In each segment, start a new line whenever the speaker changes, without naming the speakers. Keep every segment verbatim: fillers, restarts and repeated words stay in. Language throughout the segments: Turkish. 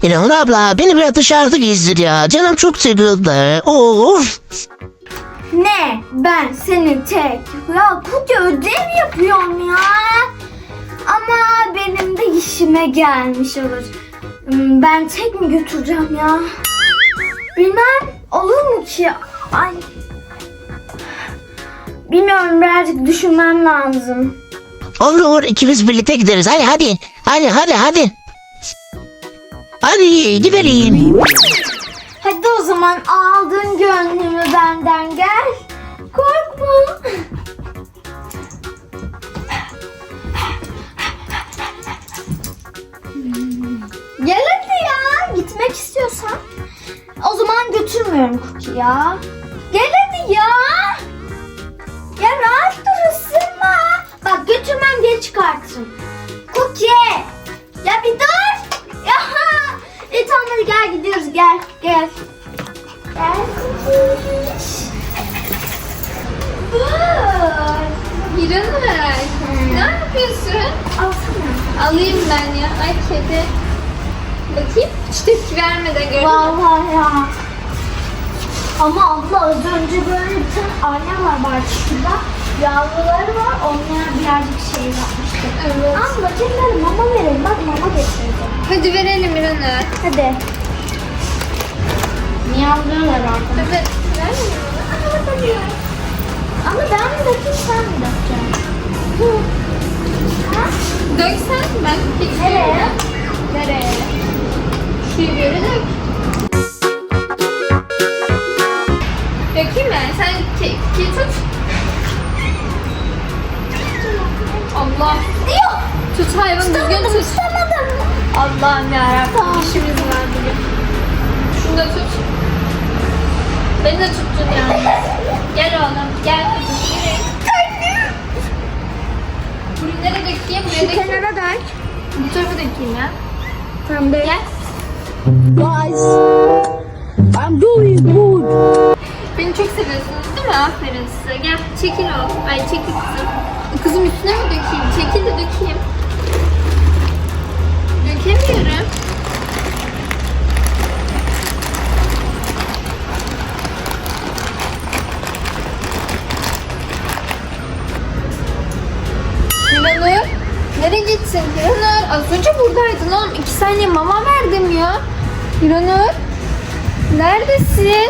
İnanın abla beni biraz dışarıda gezdir ya. Canım çok sıkıldı. Of.
Ne? Ben seni tek. Ya koca ödev yapıyorum ya. Ama benim de işime gelmiş olur. Hmm, Ben tek mi götüreceğim ya? Bilmem. Olur mu ki? Ay. Bilmiyorum, birazcık düşünmem lazım.
Olur ikimiz birlikte gideriz. Hadi hadi. Hadi hadi hadi. Hadi gidelim.
Hadi o zaman aldın gönlümü benden, gel. Korkma. Gel hadi ya. Gitmek istiyorsan. O zaman götürmüyorum Cookie ya. Gel hadi ya. Ya rahat dur, ısırma. Bak götürmem diye çıkartırım. Cookie. Ya bir dur. Ya. E tamam hadi gel gidiyoruz, gel gel. Gel Cookie. Dur.
İranur, ne yapıyorsun?
Alsana.
Alayım ben ya. Ay kedi. Bakayım. Hiç tepki vermeden gördün mü?
Vallahi ya. Ama abla az önce böyle bir tane ayna var bahçede. Yavruları var. Onlara birazcık şey yapmıştık.
Evet.
Abla kendileri mama verin. Bak mama getirdim.
Hadi verelim İranur.
Hadi. Miyavlıyorlar arkadaşlar.
Evet. Verelim mi?
Ama ben mi dökeyim, sen mi dökeceksin? Hı. Ha?
Döksen ben hiç
Nereye?
görmedim. Nereye? Şu yere dök. Dökeyim mi? Sen ke ke tut. Allah.
Yok.
Tut hayvan düzgün tut.
Tutamadım.
Allah'ım yarabbim.
Tamam.
İşimiz var bugün. Şunu da tut. Beni de tuttun yani. Gel oğlum. Gel kızım. Yürü. Buraya nereye dökeyim? Buraya
Şu
dökeyim.
kenara dök.
Bu tarafa dökeyim ya.
Tamam dök.
Gel.
Guys, I'm doing good.
Beni çok seviyorsunuz değil mi? Aferin size. Gel çekil oğlum. Ay çekil kızım. Kızım üstüne mi dökeyim? Çekil de dökeyim. Dökemiyorum. Hiranur. Nereye gitsin Hiranur? Az önce buradaydın oğlum. İki saniye mama verdim ya. Hiranur. Neredesin?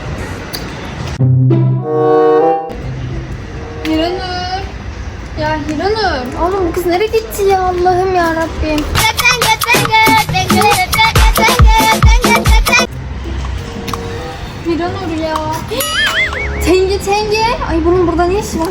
Hiranur. Ya Hiranur. Oğlum bu kız nereye gitti ya, Allah'ım ya Rabbim. Hiranur ya. Tenge tenge. Ay bunun burada ne işi var?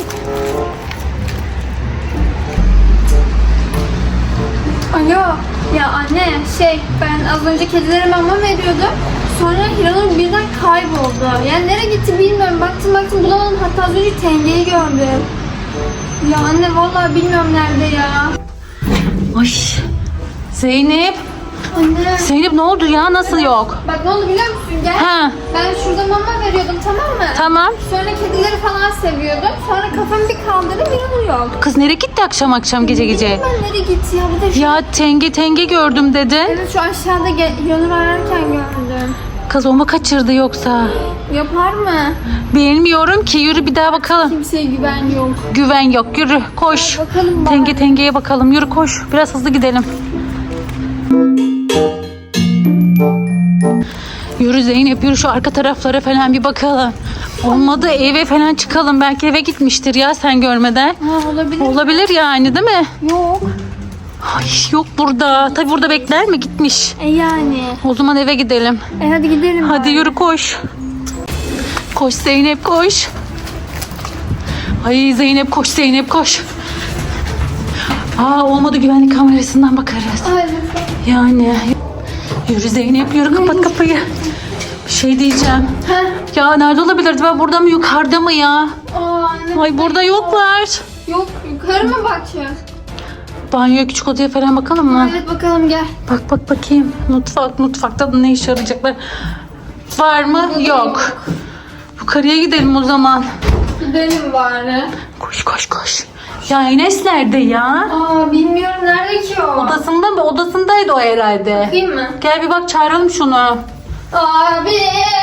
Alo. Ya anne şey ben az önce kedilere mama veriyordum. Sonra Hiranur birden kayboldu. Yani nereye gitti bilmiyorum. Baktım baktım bulamadım. Hatta az önce tengeyi gördüm. Ya anne vallahi bilmiyorum nerede ya.
Ay. Zeynep.
Anne.
Zeynep ne oldu ya? Nasıl yok?
Bak ne oldu biliyor musun? Gel.
Ha.
Ben şurada mama veriyordum, tamam mı?
Tamam.
Sonra kedileri falan seviyordum. Sonra kafamı bir kaldırdım, Hiranur yok.
Kız nereye gitti akşam akşam gece gece?
Ben nereye gitti ya? Bir de şu...
Ya tenge tenge gördüm dedin.
Evet şu aşağıda gel- Hiranur ararken gördüm.
Kız o mu kaçırdı yoksa?
Yapar mı?
Bilmiyorum ki, yürü bir daha bakalım.
Kimseye güven yok.
Güven yok, yürü koş.
Bakalım bari.
Tenge tengeye bakalım, yürü koş. Biraz hızlı gidelim. Yürü Zeynep, yürü şu arka taraflara falan bir bakalım. Olmadı eve falan çıkalım. Belki eve gitmiştir ya sen görmeden.
Ha olabilir.
Olabilir yani değil mi?
Yok.
Ay yok burada. Tabii burada bekler mi? Gitmiş.
E yani.
O zaman eve gidelim.
E hadi gidelim.
Hadi
bari.
yürü koş. Koş Zeynep koş. Ay Zeynep koş, Zeynep koş. Aa olmadı, güvenlik kamerasından bakarız.
Ay lütfen.
Yani. Yürü Zeynep yürü, kapat kapıyı. Bir şey diyeceğim.
Heh.
Ya nerede olabilirdi? Ben burada mı, yukarıda mı ya?
Aa, anne.
Ay burada yoklar.
Yok yukarı mı bakacağız?
Banyoya, küçük odaya falan bakalım mı?
Evet bakalım gel.
Bak bak bakayım. Mutfak, mutfakta da ne işe yarayacaklar? Var mı? Yok. Yukarıya gidelim o zaman.
Gidelim bari.
Koş koş koş. Ya Enes nerede ya?
Aa bilmiyorum nerede ki o?
Odasında mı? Odasındaydı o herhalde.
Bakayım mı?
Gel bir bak, çağıralım şunu.
Abi.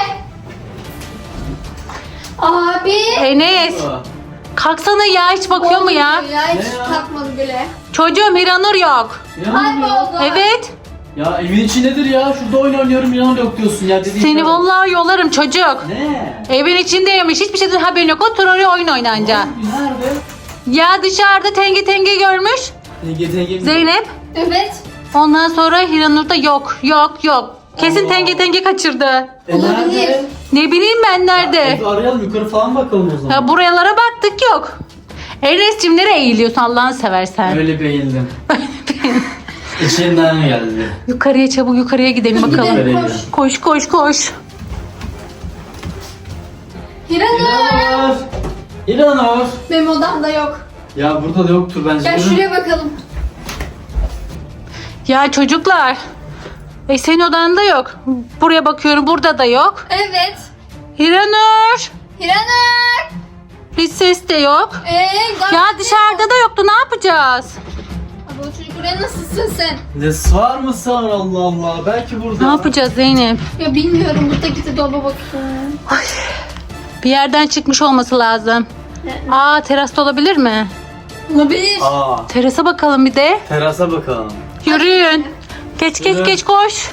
Abi.
Enes. Kalksana ya, hiç bakıyor mu ya?
Ya hiç
Ne ya?
takmadı bile.
Çocuğum Hiranur yok.
Kayboldu.
Evet.
Ya evin içindedir ya. Şurada oyun oynuyorum, inan yok diyorsun ya. Dediğin
Seni
şey-
vallahi yollarım çocuk.
Ne?
Evin içindeymiş. Hiçbir şeyden haberin yok. Otur oraya oyun oynanca.
Nerede?
Ya dışarıda tenge tenge görmüş.
Tenge tenge mi?
Zeynep.
Evet.
Ondan sonra Hiranur da yok. Yok yok. Kesin
Allah.
tenge tenge kaçırdı.
E, nerede?
Ne bileyim ben nerede.
Evi arayalım, yukarı falan bakalım o zaman.
Ya buralara baktık, yok. Enes'cim nereye eğiliyorsun Allah'ını seversen?
Öyle bir eğildim. İçinden geldi.
Yukarıya, çabuk yukarıya gidelim bakalım.
Gidelim, koş.
Koş koş koş.
Hiranur.
İnanır. İnanır.
Benim odamda yok.
Ya burada da yoktur bence.
Gel
Yürü.
şuraya bakalım.
Ya çocuklar. E senin odanda yok. Buraya bakıyorum, burada da yok.
Evet.
Hiranur.
Hiranur.
Hiç ses de yok.
Ee,
Ya dışarıda da yoktu, ne yapacağız?
Abi o çocuk buraya nasılsın sen?
Ne sığar mı sığar, Allah Allah. Belki burada.
Ne yapacağız Zeynep?
Ya bilmiyorum, burada gitti dolaba bakıyorum.
Bir yerden çıkmış olması lazım. Aa, terasta olabilir mi?
Olabilir.
Aa,
Terasa bakalım bir de.
terasa bakalım.
Yürüyün. Geç geç
Yürü.
geç koş.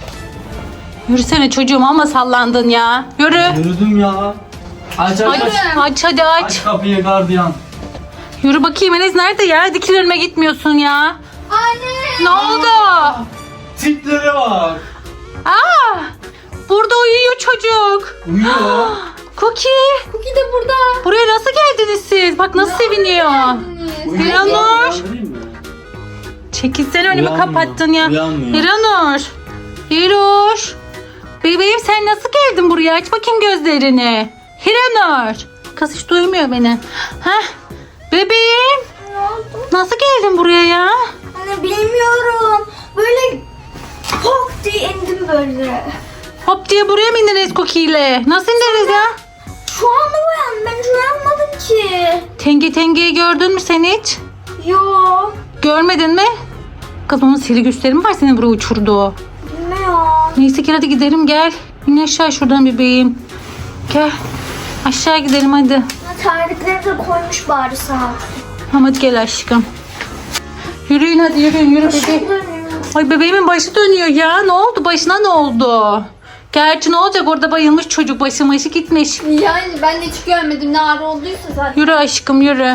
Yürüsene çocuğum, ama sallandın ya. Yürü.
Yürüdüm ya. Aç aç
Aç,
aç.
aç hadi aç.
Aç kapıyı gardiyan.
Yürü bakayım, Enes nerede ya? Dikil önüme gitmiyorsun ya.
Anne.
Ne oldu?
Tiplere bak.
Aa! Burada uyuyor çocuk.
Uyuyor.
Cookie.
Cookie de burada.
Buraya nasıl geldiniz siz? Bak nasıl seviniyor.
Uyuyor.
Hiranur.
Uyandırayım mı?
Çekilsene, önümü
Uyanmıyor,
kapattın ya.
uyanmıyor.
Hiranur. Hiroş. Bebeğim sen nasıl geldin buraya? Aç bakayım gözlerini. Hiranur. Kız hiç duymuyor beni. Heh. Bebeğim.
Ne oldu?
Nasıl geldin buraya ya?
Anne bilmiyorum. Böyle pok diye indim böyle.
Hop diye buraya mı indiniz Cookie ile? Nasıl indiniz ya?
Şu anda uyandım. Ben hiç uyanmadım ki.
Tenge tengeyi gördün mü sen hiç?
Yo.
Görmedin mi? Kız onun sihirli güçleri mi var senin buraya uçurduğu?
Bilmiyorum.
Neyse ki hadi gidelim, gel. İn aşağı şuradan bebeğim. Gel. Aşağı gidelim hadi.
Ha, tarihleri de koymuş bari sağ ol.
Tamam hadi gel aşkım. Yürüyün hadi, yürüyün yürü bebeğim. Ay bebeğimin başı dönüyor ya. Ne oldu? Başına ne oldu? Gerçi ne olacak, orada bayılmış çocuk, başı başı gitmiş.
Yani ben de hiç görmedim, ne ağrı olduysa zaten.
Yürü aşkım yürü.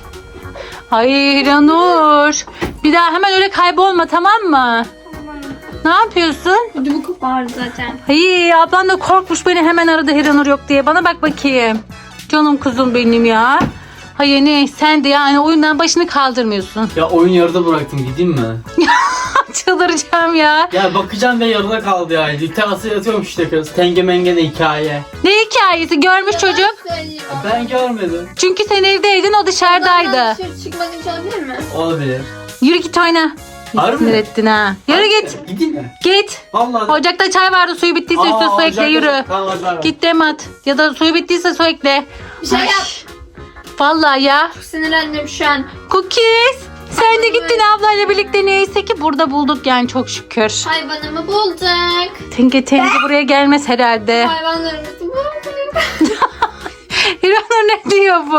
Ay Ranur. Bir daha hemen öyle kaybolma, tamam mı? Ne yapıyorsun?
Ödümü kopardı zaten.
Ay ablan da korkmuş, beni hemen aradı Hiranur yok diye. Bana bak bakayım. Canım kuzum benim ya. Hayır ne, sen de yani oyundan başını kaldırmıyorsun.
Ya oyun yarıda bıraktım, gideyim mi?
Çıldıracağım ya.
Ya bakacağım ve yarıda kaldı ya. Terasa yatıyorum işte kız. Tenge menge de hikaye.
Ne hikayesi, görmüş çocuk.
Söyleyeyim.
Ben görmedim.
Çünkü sen evdeydin, o dışarıdaydı.
Dışarı çıkmanın hiç olabilir mi?
Olabilir.
Yürü git oyna.
Harbi
Sinir
mi?
ettin ha. Yürü git.
Gideyim mi?
Git.
Vallahi.
Ocakta çay vardı, suyu bittiyse üstüne su ekle, yürü.
Git.
Git dem at. Ya da suyu bittiyse su ekle.
Bir şey yap.
Vallahi ya.
Çok sinirlendim şu an.
Cookies. Sen de gittin ablayla birlikte, neyse ki burada bulduk yani, çok şükür.
Hayvanımı bulduk.
Tenge tenge buraya gelmez herhalde.
Hayvanlarımızı bulduk.
Hiranur ne diyor bu?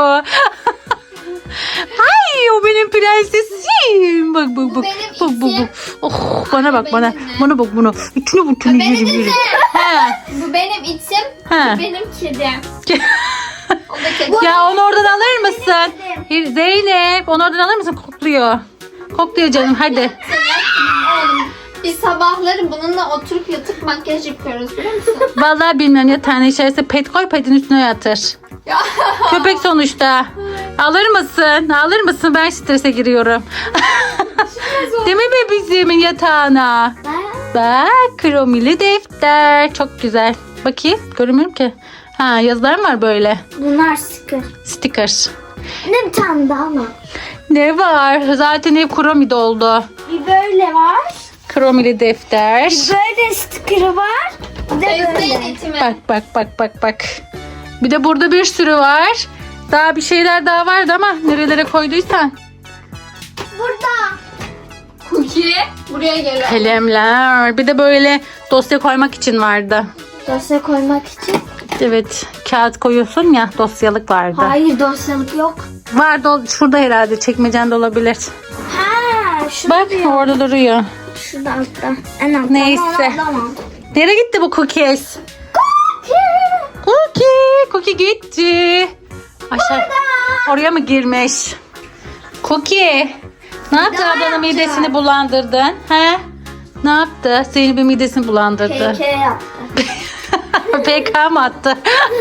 Ay o benim prensesim. Bak bak
Bu
bak.
benim
Bak bak
itim.
bak. Oh bana bak bana.
Benim mi?
Bana bak bana. İçine bu tünü
Benim
yürü yürü.
itim.
He.
Bu benim itim.
He.
Bu benim kedim. O da kedi.
Ya onu oradan alır mısın? Hir- Zeynep onu oradan alır mısın? Kokluyor. Kokluyor canım, hadi.
Oğlum, biz sabahları bununla oturup yatıp makyaj yapıyoruz, biliyor musun?
Vallahi bilmiyorum, yatağın içerisine pet koy, petin üstüne yatır.
Ya.
Köpek sonuçta. Alır mısın? Alır mısın? Ben strese giriyorum. Değil mi bebeğimin yatağına? Bak kromili defter. Çok güzel. Bakayım, görünmüyor ki. Ha, yazılar mı var böyle?
Bunlar sticker.
Sticker.
Ne bir tane daha mı?
Ne var? Zaten hep kromi doldu.
Bir böyle var.
Kromili defter.
Bir böyle sticker'ı var. Bir de
Sevdiğin
böyle.
itimi.
Bak bak bak bak bak. Bir de burada bir sürü var. Daha bir şeyler daha vardı ama nerelere koyduysan.
Burada.
Cookie buraya gel.
Kalemler. Bir de böyle dosya koymak için vardı.
Dosya koymak için.
Evet. Kağıt koyuyorsun ya, dosyalık vardı.
Hayır, dosyalık yok.
Vardı o- şurada herhalde, çekmecende olabilir.
Ha, şurada
Bak
diyor.
orada duruyor.
Şurada altta. En altta.
Neyse.
Tamam.
Nereye gitti bu cookies? Cookie. Cookie gitti. Aşağı. Oraya mı girmiş? Cookie. Ne yaptı,
Daha
ablanın
yaptı.
midesini bulandırdın? He? Ne yaptı? Zeynep'in midesini bulandırdı.
K K yaptı.
P K mı attı?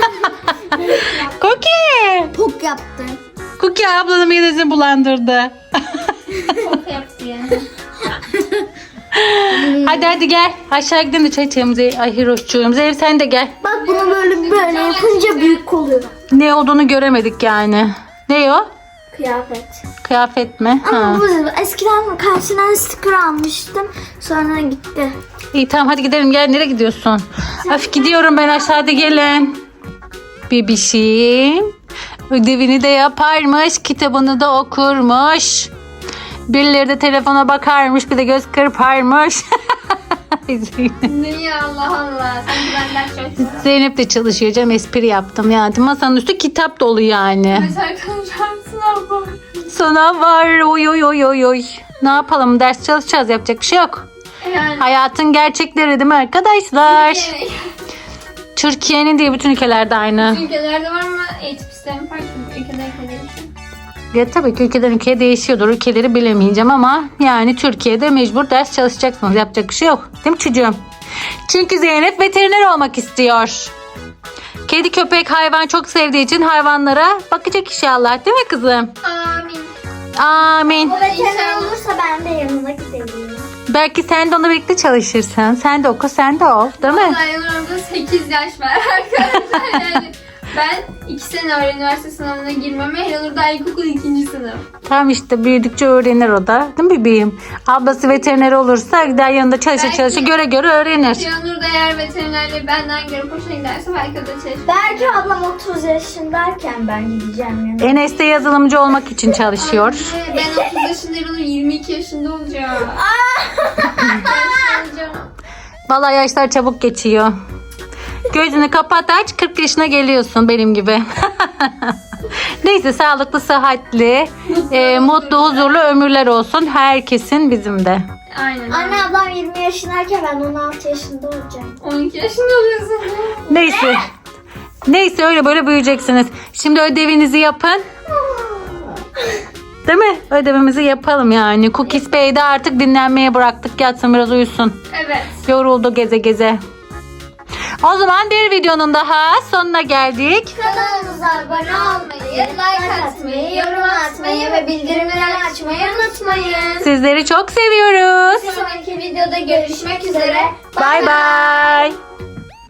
Cookie.
Pok yaptı.
Cookie ablanın midesini bulandırdı.
Çok yaptı yani.
Hadi hadi gel. Aşağı gidelim de çay içelim. Zey- Ay Hiroş'cuğum. Zeynep sen de gel.
Bak bunu böyle böyle yapınca büyük oluyor.
Ne olduğunu göremedik yani. Ne o?
Kıyafet.
Kıyafet mi? Ha.
Ama bu eskiden karşına sticker almıştım. Sonra gitti.
İyi tamam hadi gidelim, gel. Nereye gidiyorsun? Öf gidiyorum ben, aşağıda gelin. Bebişim ödevini de yaparmış, kitabını da okurmuş. Birileri de telefona bakarmış, bir de göz kırparmış.
Niye Allah Allah. Sen benden çok.
Zeynep de çalışıyor canım, espri yaptım yani. Masanın üstü kitap dolu yani.
Mesela kalacağım sınav var.
Sınav var, oy oy oy oy oy. Ne yapalım, ders çalışacağız, yapacak bir şey yok.
Yani.
Hayatın gerçekleri değil mi arkadaşlar?
Yani.
Türkiye'nin değil, bütün ülkelerde aynı.
Ülkelerde var ama eğitim sistemi farklı. Ülkeden ülkeye değişiyor.
Ya tabii ki ülkeden ülkeye değişiyordur. Ülkeleri bilemeyeceğim ama yani Türkiye'de mecbur ders çalışacaksınız. Yapacak bir şey yok. Değil mi çocuğum? Çünkü Zeynep veteriner olmak istiyor. Kedi, köpek, hayvan çok sevdiği için hayvanlara bakacak inşallah. Değil mi kızım?
Amin.
Amin.
O veteriner olursa ben de yanına gidelim.
Belki sen de onunla birlikte çalışırsın. Sen de oku, sen de ol. Değil mi?
Vallahi yanımda sekiz yaş var arkadaşlar. Yani ben iki sene öğren üniversite sınavına girmeme. Hiranur da ilkokul ikinci sınıf.
Tamam işte, büyüdükçe öğrenir o da. Değil mi bebeğim? Ablası veteriner olursa gider yanında çalışır
Belki-
çalışır, göre göre öğrenir.
Hiranur da eğer veterinerliği benden görüp hoşuna giderse belki o da çalışır.
Belki ablam otuz yaşındayken ben gideceğim yanına.
Enes de yazılımcı olmak için çalışıyor.
Anne, ben otuz yaşında Hiranur yirmi iki yaşında olacağım. Yaşlı olacağım.
Vallahi yaşlar çabuk geçiyor. Gözünü kapat aç, kırk yaşına geliyorsun benim gibi. Neyse, sağlıklı, sıhhatli, e, mutlu, huzurlu ömürler olsun herkesin, bizim de.
Aynen.
Anne ablam yirmi yaşındayken ben on altı yaşında olacağım.
on iki yaşında oluyorsun.
Neyse. Neyse, öyle böyle büyüyeceksiniz. Şimdi ödevinizi yapın. Değil mi? Ödevimizi yapalım yani. Cookies Bey de artık dinlenmeye bıraktık. Yatsın biraz, uyusun.
Evet.
Yoruldu geze geze. O zaman bir videonun daha sonuna geldik.
Kanalımıza abone olmayı, like atmayı, yorum atmayı ve bildirimleri açmayı unutmayın.
Sizleri çok seviyoruz.
Bir sonraki videoda görüşmek üzere.
Bay bay.